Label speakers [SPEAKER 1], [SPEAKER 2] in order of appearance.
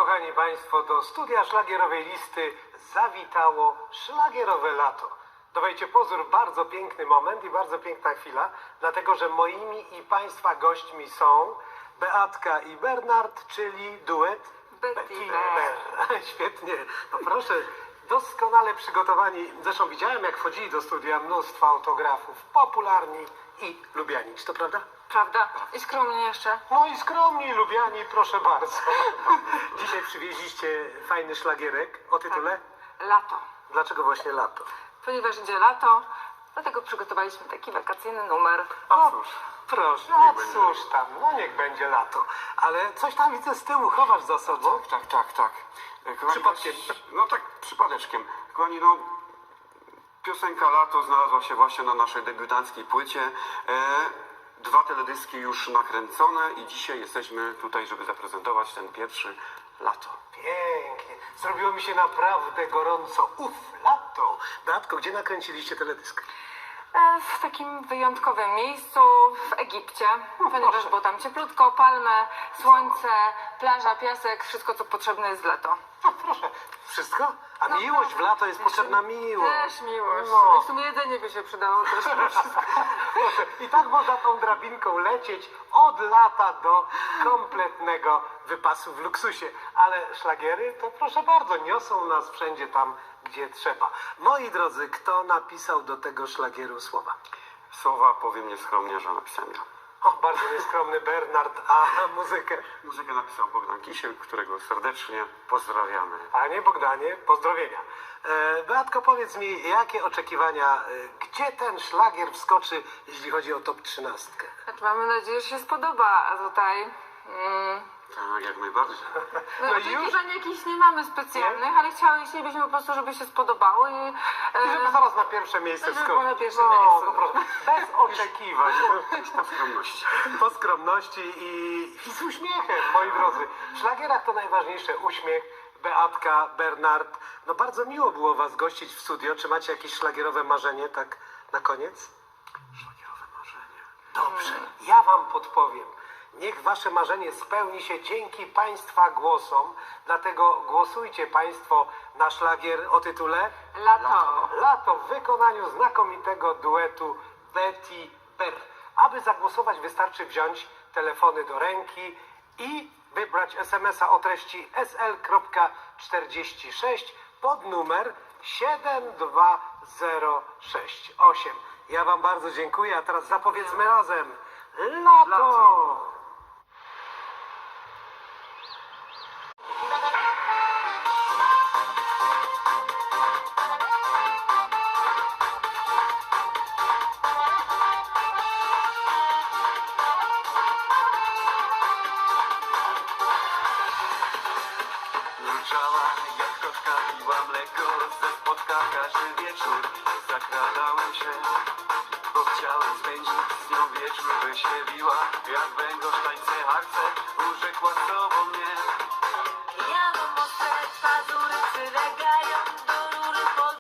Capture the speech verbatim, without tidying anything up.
[SPEAKER 1] kochani Państwo, do studia szlagierowej listy zawitało szlagierowe lato. Dawajcie pozór, bardzo piękny moment i bardzo piękna chwila, dlatego że moimi i Państwa gośćmi są Beatka i Bernard, czyli duet
[SPEAKER 2] Betty
[SPEAKER 1] Bear. Świetnie, no proszę, doskonale przygotowani. Zresztą widziałem, jak wchodzili do studia mnóstwo autografów, popularni i lubiani. Czy to prawda?
[SPEAKER 2] Prawda? I skromnie jeszcze.
[SPEAKER 1] No i skromni, lubiani, proszę bardzo. Dzisiaj przywieźliście fajny szlagierek o tytule
[SPEAKER 2] Lato.
[SPEAKER 1] Dlaczego właśnie lato?
[SPEAKER 2] Ponieważ idzie lato, dlatego przygotowaliśmy taki wakacyjny numer.
[SPEAKER 1] O cóż, proszę, no cóż tam, no niech będzie lato. Ale coś tam widzę z tyłu chowasz za sobą.
[SPEAKER 3] Tak, tak, tak. E, kochani,
[SPEAKER 1] Przypadkiem.
[SPEAKER 3] właśnie- No tak, przypadeczkiem. Kochani, no, piosenka Lato znalazła się właśnie na naszej debiutanckiej płycie. E, dwa teledyski już nakręcone i dzisiaj jesteśmy tutaj, żeby zaprezentować ten pierwszy Lato.
[SPEAKER 1] Pięknie. Zrobiło mi się naprawdę gorąco. Uff, lato. Beatko, gdzie nakręciliście teledysk?
[SPEAKER 2] E, W takim wyjątkowym miejscu w Egipcie, ponieważ
[SPEAKER 1] proszę.
[SPEAKER 2] było tam cieplutko, palmy, słońce, plaża, piasek, wszystko co potrzebne jest w lato.
[SPEAKER 1] No proszę, wszystko? A
[SPEAKER 2] No,
[SPEAKER 1] miłość w lato jest
[SPEAKER 2] Jeszcze-
[SPEAKER 1] potrzebna miłość.
[SPEAKER 2] Też miłość.
[SPEAKER 1] No.
[SPEAKER 2] W sumie jedzenie by się przydało też.
[SPEAKER 1] Proszę, i tak można tą drabinką lecieć od lata do kompletnego wypasu w luksusie. Ale szlagiery to proszę bardzo, niosą nas wszędzie tam, gdzie trzeba. Moi drodzy, kto napisał do tego szlagieru słowa?
[SPEAKER 3] Słowa powiem nieskromnie, że napisałem ja.
[SPEAKER 1] O, bardzo nieskromny Bernard, a muzykę?
[SPEAKER 3] Muzykę napisał Bogdan Kisiel, którego serdecznie pozdrawiamy.
[SPEAKER 1] Panie Bogdanie, pozdrowienia. E, Beatko, powiedz mi, jakie oczekiwania, e, gdzie ten szlagier wskoczy, jeśli chodzi o top trzynastkę?
[SPEAKER 2] Znaczy, mamy nadzieję, że się spodoba, a tutaj... Mm,
[SPEAKER 3] Tak, jak najbardziej.
[SPEAKER 2] No,
[SPEAKER 1] No już?
[SPEAKER 2] oczekiwań jakichś nie mamy specjalnych, ale chciały, chcielibyśmy po prostu, żeby się spodobało i...
[SPEAKER 1] I żeby
[SPEAKER 2] E,
[SPEAKER 1] zaraz na pierwsze miejsce
[SPEAKER 2] żeby
[SPEAKER 1] wskoczyć.
[SPEAKER 2] było na pierwsze
[SPEAKER 1] no,
[SPEAKER 2] miejsce.
[SPEAKER 1] No, proszę, bez oczekiwań.
[SPEAKER 3] Po skromności.
[SPEAKER 1] Po skromności i, i z uśmiechem, moi drodzy. W szlagierach to najważniejsze uśmiech. Beatka, Bernard. No bardzo miło było was gościć w studio. Czy macie jakieś szlagierowe marzenie, tak na koniec?
[SPEAKER 3] Szlagierowe marzenie.
[SPEAKER 1] Dobrze, ja wam podpowiem. Niech wasze marzenie spełni się dzięki państwa głosom. Dlatego głosujcie państwo na szlagier o tytule
[SPEAKER 2] Lato.
[SPEAKER 1] Lato w wykonaniu znakomitego duetu Betty Bear. Aby zagłosować, wystarczy wziąć telefony do ręki i wybrać es em es a o treści es el czterdzieści sześć pod numer siedem dwa zero sześć osiem. Ja wam bardzo dziękuję, a teraz zapowiedzmy razem Lato!
[SPEAKER 3] Lato. Mruczała jak koczka, piła mleko ze spotka każdy wieczór. Zakradałem się, bo chciałem spędzić z nią wieczór. By się biła jak węgorz, tańce, harce, urzekła sobą mnie.
[SPEAKER 4] Ja